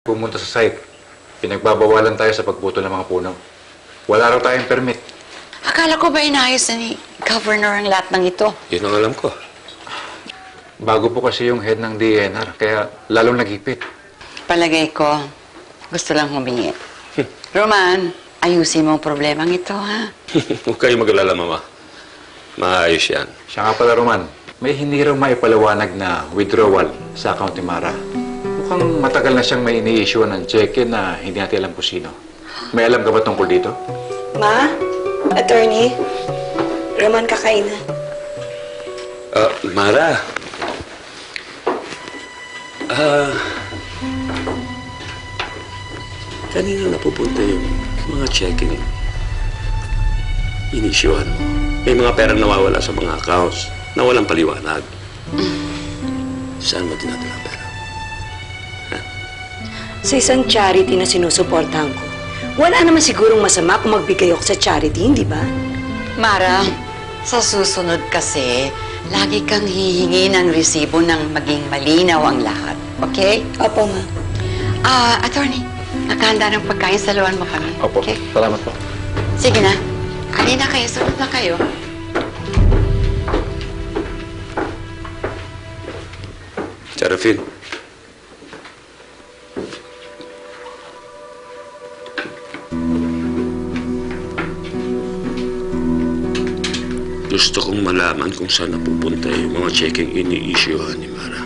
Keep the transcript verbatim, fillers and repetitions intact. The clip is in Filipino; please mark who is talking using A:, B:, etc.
A: Pumunta sa site. Pinagbabawalan tayo sa pagputol ng mga puno. Wala raw tayong permit.
B: Akala ko ba inayos na ni Governor ang lahat ng ito?
C: Yun ang alam ko.
A: Bago po kasi yung head ng D N R, kaya lalong nagipit.
B: Palagay ko, gusto lang humingi. Roman, ayusin mo ang problemang ito, ha?
C: Huwag kayong mag-alala, Mama. Maayos yan.
A: Siya nga pala, Roman, may hindi raw maipaliwanag na withdrawal sa account ni Mara. Mukhang matagal na siyang may ini-issue ng check-in na hindi natin alam kung sino. May alam ka ba tungkol dito?
D: Ma? Attorney? Roman Kakaina.
C: Ah, Mara. Ah... kanina napupunta yung mga checking. Inisyuhan mo. May mga pera nawawala sa mga accounts na walang paliwanag. Saan mo dinadala ang pera?
D: Sa isang charity na sinusuportahan ko. Wala naman sigurong masama kung magbigay ako sa charity, hindi ba?
B: Mara, sa susunod kasi, lagi kang hihingi ng resibo ng maging malinaw ang lahat. Okay?
D: Opo, ma.
B: Ah, attorney, nakahanda ng pagkain, saluhan mo kami.
A: Opo.
B: Okay?
A: Salamat po.
B: Sige na. Halina kayo, sunod na kayo.
C: Serafin. Gusto kong malaman kung saan napupunta yung mga checking ini-issuehan ni Mara.